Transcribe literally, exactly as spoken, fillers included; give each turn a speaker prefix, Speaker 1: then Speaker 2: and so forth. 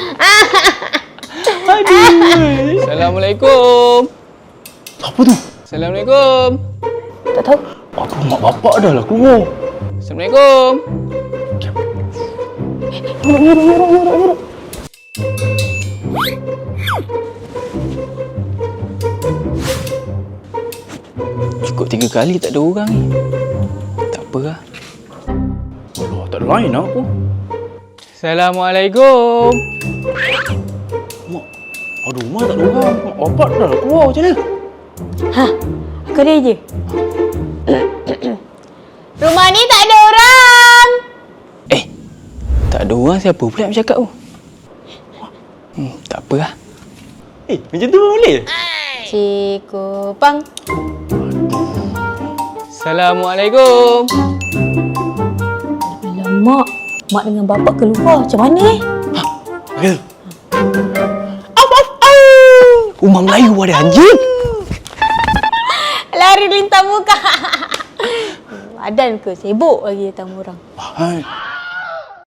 Speaker 1: Aduh. Assalamualaikum.
Speaker 2: Apa tu?
Speaker 1: Assalamualaikum.
Speaker 3: Tak tahu.
Speaker 2: Aduh, mak bapak dah lah keluar.
Speaker 1: Assalamualaikum.
Speaker 3: Yuruk, yuruk, yuruk, yuruk, yuruk.
Speaker 1: Cukup tiga kali tak ada orang ni. Tak apa lah.
Speaker 2: Alah, tak ada lain lah aku.
Speaker 1: Assalamualaikum.
Speaker 2: Mak, aduh, mak tak ada orang. Mak bapak dah lah keluar macam mana?
Speaker 3: Ha, aku ada je. Rumah ni tak ada orang.
Speaker 1: Eh, tak ada orang siapa pula yang bercakap tu? Hmm, tak apa lah.
Speaker 2: Eh, macam tu pun boleh?
Speaker 3: Cikgu Pang.
Speaker 1: Assalamualaikum.
Speaker 3: Alamak, mak dengan bapak keluar. Macam mana eh?
Speaker 2: Ya. Auf, auf, auf.
Speaker 1: Rumah Melayu ada anjing.
Speaker 3: Lari lintang muka. Badan ke? Sibuk lagi tamu orang.
Speaker 2: Hai.